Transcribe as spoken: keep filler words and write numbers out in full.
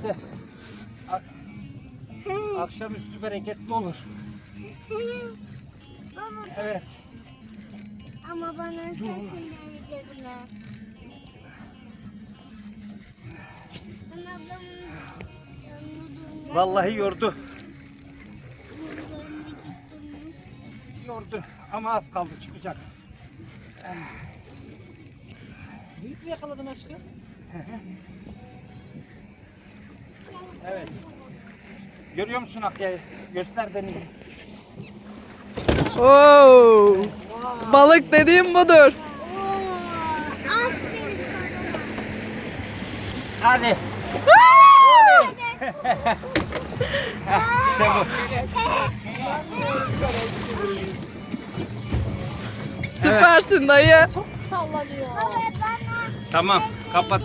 işte akşamüstü bereketli olur. Baba, Evet. ama bana sakın değdirme. Ben ablamın yanında durmak Vallahi yordu. görmek istiyorum. Yordu ama az kaldı çıkacak. Büyük mü yakaladın aşkım? Evet. Görüyor musun Akya'yı? Göster denizi. Oo. Balık dediğim budur. Oo, aferin sana. Hadi. İşte bu. Süpersin dayı. Çok sallanıyor. Baba bana Tamam. Kapat.